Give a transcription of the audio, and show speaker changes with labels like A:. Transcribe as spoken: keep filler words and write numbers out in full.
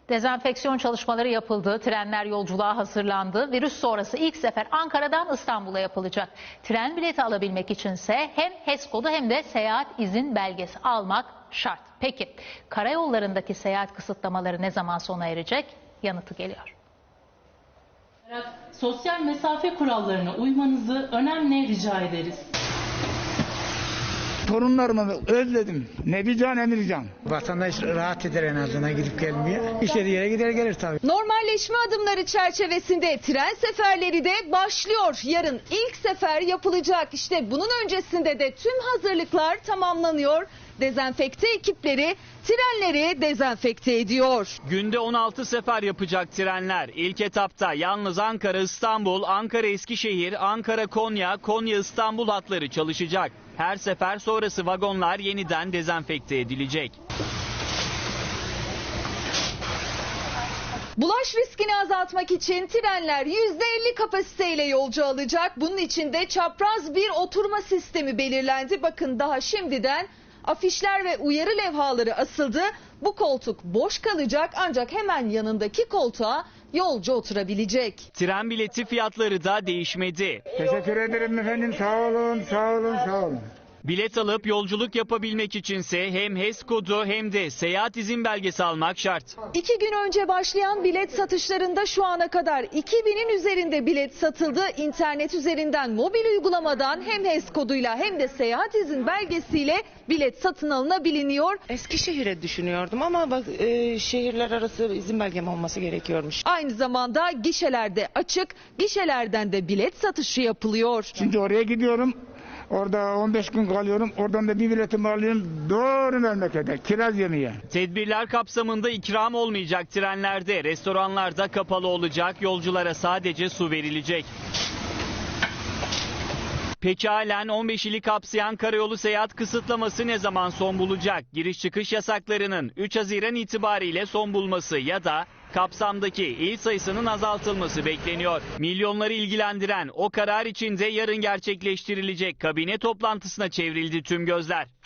A: Dezenfeksiyon çalışmaları yapıldı, trenler yolculuğa hazırlandı. Virüs sonrası ilk sefer Ankara'dan İstanbul'a yapılacak. Tren bileti alabilmek içinse hem H E S kodu hem de seyahat izin belgesi almak şart. Peki karayollarındaki seyahat kısıtlamaları ne zaman sona erecek? Yanıtı geliyor.
B: Sosyal mesafe kurallarına uymanızı önemli rica ederiz.
C: Torunlarımı özledim. Ne bir can ne bir can.
D: Vatandaş rahat eder en azından gidip gelmeye. İstediği yere gider gelir tabii.
E: Normalleşme adımları çerçevesinde tren seferleri de başlıyor. Yarın ilk sefer yapılacak. İşte bunun öncesinde de tüm hazırlıklar tamamlanıyor. Dezenfekte ekipleri trenleri dezenfekte ediyor.
F: Günde on altı sefer yapacak trenler. İlk etapta yalnız Ankara-İstanbul, Ankara-Eskişehir, Ankara-Konya, Konya-İstanbul hatları çalışacak. Her sefer sonrası vagonlar yeniden dezenfekte edilecek.
E: Bulaş riskini azaltmak için trenler yüzde elli kapasiteyle yolcu alacak. Bunun için de çapraz bir oturma sistemi belirlendi. Bakın daha şimdiden afişler ve uyarı levhaları asıldı. Bu koltuk boş kalacak ancak hemen yanındaki koltuğa yolcu oturabilecek.
F: Tren bileti fiyatları da değişmedi.
C: Teşekkür ederim efendim. Sağ olun, sağ olun, sağ olun.
F: Bilet alıp yolculuk yapabilmek içinse hem H E S kodu hem de seyahat izin belgesi almak şart.
E: İki gün önce başlayan bilet satışlarında şu ana kadar iki binin üzerinde bilet satıldı. İnternet üzerinden mobil uygulamadan hem H E S koduyla hem de seyahat izin belgesiyle bilet satın alınabiliyor.
G: Eskişehir'e düşünüyordum ama bak e, şehirler arası izin belgem olması gerekiyormuş.
E: Aynı zamanda gişelerde açık, gişelerden de bilet satışı yapılıyor.
C: Şimdi oraya gidiyorum. Orada on beş gün kalıyorum. Oradan da bir biletimi alıyorum. Doğru memlekete. Kiraz yemeye.
F: Tedbirler kapsamında ikram olmayacak trenlerde, restoranlarda kapalı olacak, yolculara sadece su verilecek. Peki halen on beş ili kapsayan karayolu seyahat kısıtlaması ne zaman son bulacak? Giriş çıkış yasaklarının üç Haziran itibariyle son bulması ya da kapsamdaki il sayısının azaltılması bekleniyor. Milyonları ilgilendiren o karar içinde yarın gerçekleştirilecek kabine toplantısına çevrildi tüm gözler.